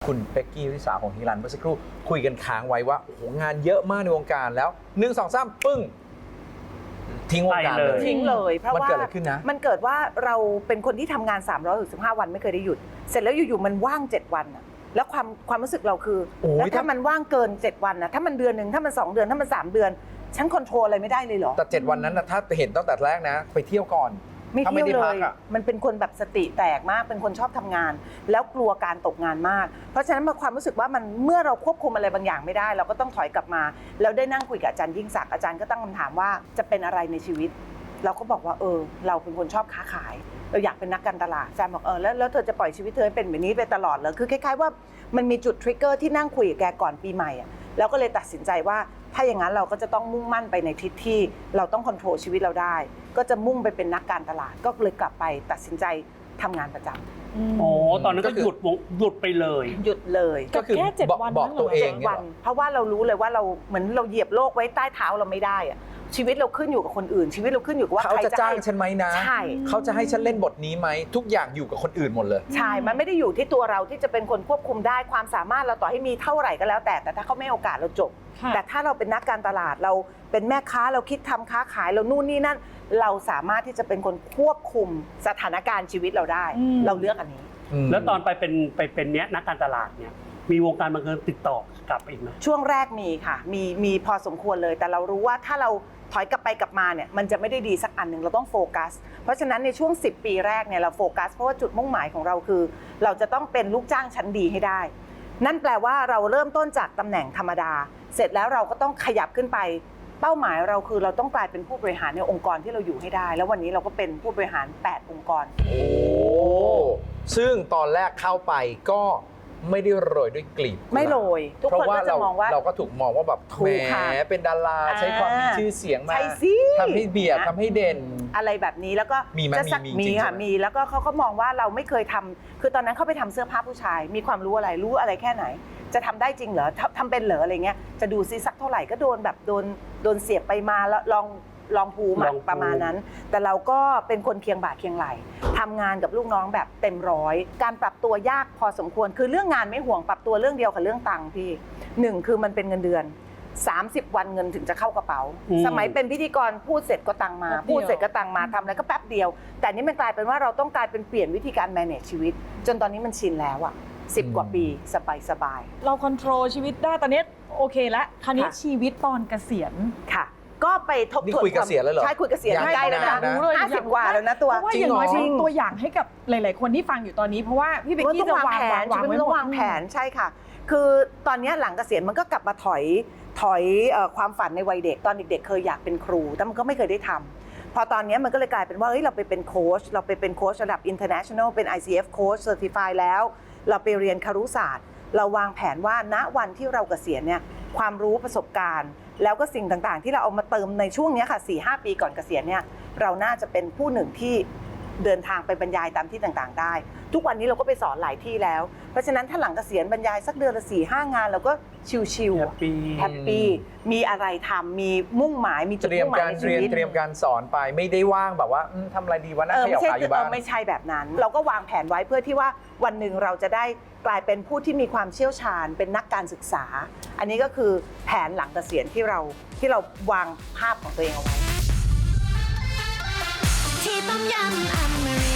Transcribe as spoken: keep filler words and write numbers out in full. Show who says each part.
Speaker 1: คุณเป๊กกี้วิสาของฮิรันเมื่อสักครู่คุยกันค้างไว้ว่าโอ้โหงานเยอะมากในวงการแล้วหนึ่งสองสามปึ้งทิ้งวงการเลย
Speaker 2: ทิ้งเลยเพราะ
Speaker 1: มัน
Speaker 2: ว่า
Speaker 1: เกิดอะไรขึ้นนะ
Speaker 2: มันเกิดว่าเราเป็นคนที่ทำงานสามร้อยหกสิบห้าวันไม่เคยได้หยุดเสร็จแล้วอยู่ๆมันว่างเจ็ดวันอะแล้วความความรู้สึกเราคือ
Speaker 1: โอ้ย
Speaker 2: แล้วถ้า
Speaker 1: ถ้า
Speaker 2: มันว่างเกินเจ็ดวันนะถ้ามันเดือนหนึ่งถ้ามันสองเดือนถ้ามันสามเดือนฉันคอนโทรลอะไรไม่ได้เลยเหรอ
Speaker 1: แต่เจ็ดวันนั้นนะถ้าเห็นตั้งแต่แรกนะ ไปเที่ยวก่อน
Speaker 2: ไม่
Speaker 1: ถ้าไม่
Speaker 2: เที่ยว
Speaker 1: ได้
Speaker 2: เล
Speaker 1: พัก
Speaker 2: ย
Speaker 1: อะ
Speaker 2: มันเป็นคนแบบสติแตกมาก เป็นคนชอบทำงาน แล้วกลัวการตกงานมาก เพราะฉะนั้นมาความรู้สึกว่ามันเมื่อเราควบคุมอะไรบางอย่างไม่ได้ เราก็ต้องถอยกลับมา แล้วได้นั่งคุยกับอาจารย์ยิ่งศักดิ์อาจารย์ก็ตั้งคำถามว่าจะเป็นอะไรในชีวิต เราก็บอกว่าเออเราเป็นคนชอบค้าขาย เราอยากเป็นนักการตลาดอาจารย์บอกเออแล้วแล้วเธอจะปล่อยชีวิตเธอให้เป็นแบบนี้ไปตลอดเหรอคือคล้ายๆว่ามันมีจุดทริกเกอร์ที่นั่งคุยกับแกก่อนปีใหม่อะแล้วก็เลยตัดสินใจว่าถ้าอย่างนั้นเราก็จะต้องมุ่งมั่นไปในทิศที่เราต้องควบคุมชีวิตเราได้ ก็จะมุ่งไปเป็นนักการตลาดก็เลยกลับไปตัดสินใจทำงานประจำ
Speaker 3: โอ้ตอนนั้นก็หยุดวงหยุดไปเลย
Speaker 2: หยุดเลย
Speaker 1: ก็คือ
Speaker 4: แค่เจ็ด
Speaker 1: บอก
Speaker 4: วัน
Speaker 1: บอก
Speaker 4: นั่นเหรอ
Speaker 1: ตัวเอง
Speaker 2: เจ็ด
Speaker 1: เนี่ย
Speaker 2: วัน
Speaker 1: เหรอ
Speaker 2: เพราะว่าเรารู้เลยว่าเราเหมือนเราเหยียบโลกไว้ใต้เท้าเราไม่ได้อะชีวิตเราขึ้นอยู่กับคนอื่น ชีวิตเราขึ้นอยู่กับว่า
Speaker 1: เขา
Speaker 2: ใคร
Speaker 1: จะ
Speaker 2: จะ
Speaker 1: จ้าง
Speaker 2: ให้
Speaker 1: ฉันไหมนะ
Speaker 2: ใช่
Speaker 1: เขาจะให้ฉันเล่นบทนี้ไหมทุกอย่างอยู่กับคนอื่นหมดเลย
Speaker 2: ใช่ มันไม่ได้อยู่ที่ตัวเราที่จะเป็นคนควบคุมได้ความสามารถเราต่อให้มีเท่าไหร่ก็แล้วแต่แต่ถ้าเขาไม่ให้โอกาสเราจบ
Speaker 4: ค่ะ
Speaker 2: แต่ถ้าเราเป็นนักการตลาดเราเป็นแม่ค้าเราคิดทำค้าขายเรานู่นนี่นั่น เราสามารถที่จะเป็นคนควบคุมสถานการณ์ชีวิตเราได้ เราเลือกอันนี้
Speaker 3: แล้วตอนไปเป็นไปเป็นเนี้ยนักการตลาดเนี่ยมีวงการบันเทิงติดต่อกลับไปอีกไหม
Speaker 2: ช่วงแรกมีค่ะ มีมีพอสมควรเลย แต่เรารู้ว่าถ้าเราถอยกลับไปกลับมาเนี่ย มันจะไม่ได้ดีสักอันหนึ่งเราต้องโฟกัส เพราะฉะนั้นในช่วงสิบปีแรกเนี่ยเราโฟกัสเพราะว่าจุดมุ่งหมายของเราคือ เราจะต้องเป็นลูกจ้างชั้นดีให้ได้ นั่นแปลว่าเราเริ่มต้นจากตำแหน่งธรรมดา เสร็จแล้วเราก็ต้องขยับขึ้นไป เป้าหมายเราคือเราต้องกลายเป็นผู้บริหารในองค์กรที่เราอยู่ให้ได้ แล้ววันนี้เราก็เป็นผู้บริหารแปดองค์กร
Speaker 1: โอ้ซึ่งตอนแรกเข้าไปก็ไม่ได้โรยด้วยกลีบ
Speaker 2: ไม่โรยทุก
Speaker 1: เพราะ
Speaker 2: คน
Speaker 1: ว่า
Speaker 2: ก็จะ
Speaker 1: เรา
Speaker 2: มองว่า
Speaker 1: เราก็ถูกมองว่าแบบ
Speaker 2: ถู
Speaker 1: แหม
Speaker 2: กค่ะ
Speaker 1: เป็นดาราใช้ความมีชื่อเสียงมา
Speaker 2: ใช่สิ
Speaker 1: ทำให้เบียด
Speaker 2: นะ
Speaker 1: ทำให้เด่น
Speaker 2: อะไรแบบนี้แล้วก็
Speaker 1: มีไหม
Speaker 2: จะสัก
Speaker 1: มีมี
Speaker 2: มี
Speaker 1: จริงๆ
Speaker 2: ค่ะ
Speaker 1: ใช่ไหม
Speaker 2: มีแล้วก็เขาก็มองว่าเราไม่เคยทำคือตอนนั้นเขาไปทำเสื้อผ้าผู้ชาย มีความรู้อะไรรู้อะไรแค่ไหน จะทำได้จริงเหรอทำทำเป็นเหรออะไรเงี้ยจะดูซิสักเท่าไหร่ก็โดนแบบโดนโดนเสียบไปมาแล้วลองลองภูมิ
Speaker 3: ล
Speaker 2: อะ
Speaker 3: องภูมิ
Speaker 2: ประมาณนั้น แต่เราก็เป็นคนเคียงบ่าเคียงไหลทำงานกับลูกน้องแบบเต็มร้อยการปรับตัวยากพอสมควรคือเรื่องงานไม่ห่วงปรับตัวเรื่องเดียวกับเรื่องตังค์พี่หนึ่งคือมันเป็นเงินเดือนสามสิบวันเงินถึงจะเข้ากระเป๋า สมัยเป็นพิธีกรพูดเสร็จก็ตังมา
Speaker 4: แป๊บเดียว
Speaker 2: พูดเสร็จก็ตังมาทำอะไรก็แป๊บเดียว แต่นี่มันกลายเป็นว่าเราต้องกลายเป็นเปลี่ยนวิธีการ manage ชีวิต จนตอนนี้มันชินแล้วอ่ะสิบกว่าปีสบายสบาย
Speaker 4: เราควบคุมชีวิตได้ตอนนี้โอเคแล้วคราวนี้
Speaker 2: ค่ะ
Speaker 4: ชีวิตตอนเกษียณ
Speaker 2: ค่ะ ก็ไปทบ
Speaker 1: นี่
Speaker 2: ทวน
Speaker 1: คุยเกษียณแล้วเหรอ
Speaker 2: ใช่คุยเกษียณ
Speaker 1: ยัง
Speaker 2: ใกล้แล้วนะ
Speaker 1: นานนะ
Speaker 4: รู้เลย
Speaker 2: ห้าสิบกว่าแล้วนะตัว
Speaker 4: เพราะว่า
Speaker 1: จริ
Speaker 4: อง ย่าง
Speaker 1: เหรอ
Speaker 4: น้อยเป็นตัวอย่างให้กับหลาย ๆ คนที่ฟังอยู่ตอนนี้เพราะว่าพี่เบก
Speaker 2: มัน
Speaker 4: กี้
Speaker 2: ต้อง
Speaker 4: จะ
Speaker 2: วาง
Speaker 4: วาง
Speaker 2: แผน
Speaker 4: วาง
Speaker 2: ชีวิต
Speaker 4: ไว้
Speaker 2: มัน
Speaker 4: ห
Speaker 2: ต้
Speaker 4: ม
Speaker 2: อง
Speaker 4: ด
Speaker 2: วางแผนใช่ค่ะ คือตอนนี้หลังเกษียณมันก็กลับมาถอยถอยเอ่อความฝันในวัยเด็กตอนเด็กๆเคยอยากเป็นครูแต่มันก็ไม่เคยได้ทำพอตอนนี้มันก็เลยกลายเป็นว่าเฮ้ยเราไปเป็นโค้ชเราไปเป็นโค้ชระดับ international เป็น ไอ ซี เอฟ coach certified แล้ว เราไปเรียนครุศาสตร์ เราวางแผนว่าณวันที่เราเกษียณเนี่ยความรู้ประสบการณ์ แล้วก็สิ่งต่างๆ ที่เราเอามาเติมในช่วงนี้ค่ะ สี่ห้า ปีก่อนเกษียณเนี่ยเราน่าจะเป็นผู้หนึ่งที่เดินทางไปบรรยายตามที่ต่างๆ ได้ ทุกวันนี้เราก็ไปสอนหลายที่แล้ว เพราะฉะนั้นถ้าหลังเกษียณบรรยายสักเดือนละสี่ห้างานเราก็ชิว
Speaker 3: แฮปปี้
Speaker 2: ๆแฮปปี้มีอะไรทำมีมุ่งหมายมีจุด
Speaker 1: เตรียม
Speaker 2: มุ่งหมาย
Speaker 1: การ
Speaker 2: ในชี
Speaker 1: เรียน
Speaker 2: วิต
Speaker 1: เตรียมการสอนไปไม่ได้ว่างแบบว่าอืมทำอะไรดีวะนั่
Speaker 2: เอง อ
Speaker 1: ขยั
Speaker 2: ไม่
Speaker 1: บ
Speaker 2: ใช่
Speaker 1: ขาอ
Speaker 2: คือยู่ เอ
Speaker 1: บ้า
Speaker 2: อน ไม่ใช่แบบนั้น เราก็วางแผนไว้เพื่อที่ว่าวันหนึ่งเราจะได้กลายเป็นผู้ที่มีความเชี่ยวชาญ เป็นนักการศึกษา อันนี้ก็คือแผนหลังเกษียณที่เราที่เราวางภาพของตัวเองเอาไว้
Speaker 5: ที่ต้มยำอมริ